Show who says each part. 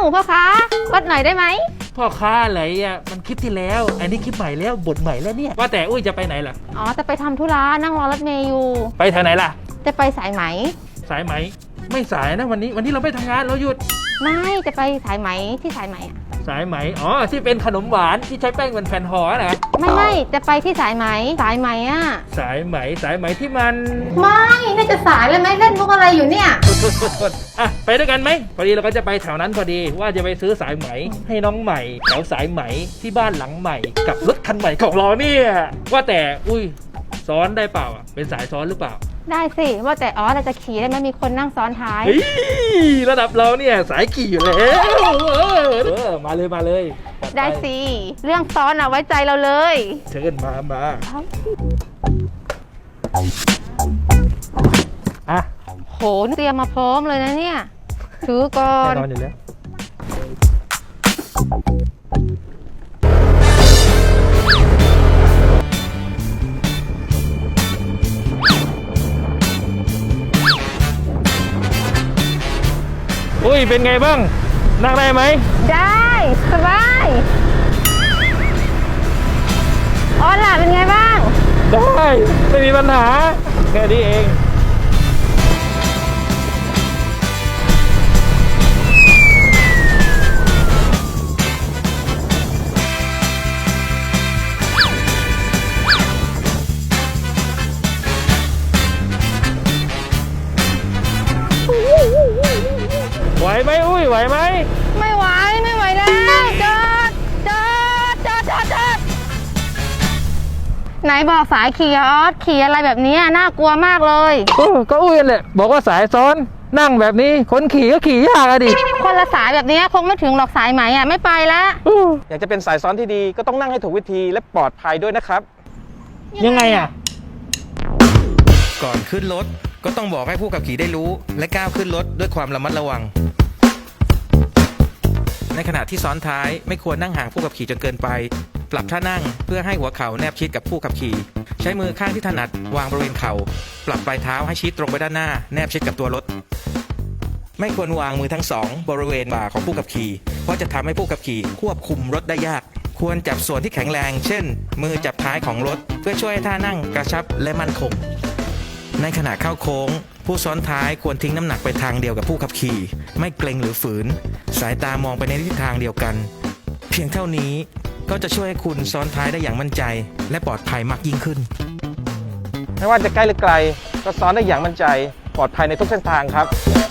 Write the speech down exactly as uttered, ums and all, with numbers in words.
Speaker 1: พ่อค้าวัดหน่อยได้ไหม
Speaker 2: พ่อค้าอะไรอ่ะมันคลิปที่แล้วอันนี้คลิปใหม่แล้วบทใหม่แล้วเนี่ยว่าแต่อุ้ยจะไปไหนล่ะ
Speaker 1: อ๋อจะไปทำธุระนั่งรอรถเมย์อยู่
Speaker 2: ไปทางไหนล่ะ
Speaker 1: จะไปสายไหม
Speaker 2: สายไหมไม่สายนะวันนี้วันนี้เราไม่ทำงานเราหยุด
Speaker 1: ไม่จะไปสายไหมที่สายไหมอะ
Speaker 2: สายไหมอ๋อที่เป็นขนมหวานที่ใช้แป้งเป็นแผ่นห่อนะ
Speaker 1: ไม่ไม่จะไปที่สายไหมสายไหมอ่ะ
Speaker 2: สายไหมสายไหมที่มัน
Speaker 1: ไม่น่าจะสายเลยไหมเล่นมุกอะไรอยู่เนี่ย
Speaker 2: อ่ะไปด้วยกันไหมพอดีเราก็จะไปแถวนั้นพอดีว่าจะไปซื้อสายไหมให้น้องใหม่แถวสายไหมที่บ้านหลังใหม่กับรถคันใหม่ของเราเนี่ยว่าแต่อุ้ยซ้อนได้เปล่าอ่ะเป็นสายซ้อนหรือเปล่า
Speaker 1: ได้สิว่าแต่อ๋อเราจะขี่ได้ไหมมีคนนั่งซ้อนท้าย
Speaker 2: ระดับเราเนี่ยสายขี่อยู่แล้วเออมาเลยมาเลย
Speaker 1: ได้สิเรื่องซ้อนอ่ะไว้ใจเราเลย
Speaker 2: เชิญมามาอ่ะ
Speaker 1: โหเตรียมมาพร้อมเลยนะเนี่ยถือก่อน
Speaker 2: แน่นอนอยู่แล้วอุ้ยเป็นไงบ้างนั่งได้ไหม
Speaker 1: ได้สบายออนล่ะเป็นไงบ้าง
Speaker 2: ได้ไม่มีปัญหาแค่นี้เองไหวไหมอุ้ยไหวไหม
Speaker 1: ไม่ไหวไม่ไหวแล้วจอดจอดจอดจอดจอดไหนบอกสายขี่ออสขี่อะไรแบบนี้น่ากลัวมากเลย
Speaker 2: ก็อุ้ยแหละบอกว่าสายซ้อนนั่งแบบนี้คนขี่ก็ขี่ยากอะดิ
Speaker 1: คนละสายแบบนี้คงไม่ถึงหรอกสายไหมอ่ะไม่ไปแล้ว
Speaker 3: อยากจะเป็นสายซ้อนที่ดีก็ต้องนั่งให้ถูกวิธีและปลอดภัยด้วยนะครับ
Speaker 2: ยังไงอ่ะ
Speaker 4: ก่อนขึ้นรถก็ต้องบอกให้ผู้ขับขี่ได้รู้และก้าวขึ้นรถด้วยความระมัดระวังในขณะที่ซ้อนท้ายไม่ควรนั่งห่างผู้ขับขี่จนเกินไปปรับท่านั่งเพื่อให้หัวเข่าแนบชิดกับผู้ขับขี่ใช้มือข้างที่ถนัดวางบริเวณเข่าปรับปลายเท้าให้ชิดตรงไปด้านหน้าแนบชิดกับตัวรถไม่ควรวางมือทั้งสองบริเวณบ่าของผู้ขับขี่เพราะจะทำให้ผู้ขับขี่ควบคุมรถได้ยากควรจับส่วนที่แข็งแรงเช่นมือจับท้ายของรถเพื่อช่วยให้ท่านั่งกระชับและมั่นคงในขณะเข้าโค้งผู้ซ้อนท้ายควรทิ้งน้ำหนักไปทางเดียวกับผู้ขับขี่ไม่เกรงหรือฝืนสายตามองไปในทิศทางเดียวกันเพียงเท่านี้ก็จะช่วยให้คุณซ้อนท้ายได้อย่างมั่นใจและปลอดภัยมากยิ่งขึ้น
Speaker 3: ไม่ว่าจะใกล้หรือไกลก็ซ้อนได้อย่างมั่นใจปลอดภัยในทุกเส้นทางครับ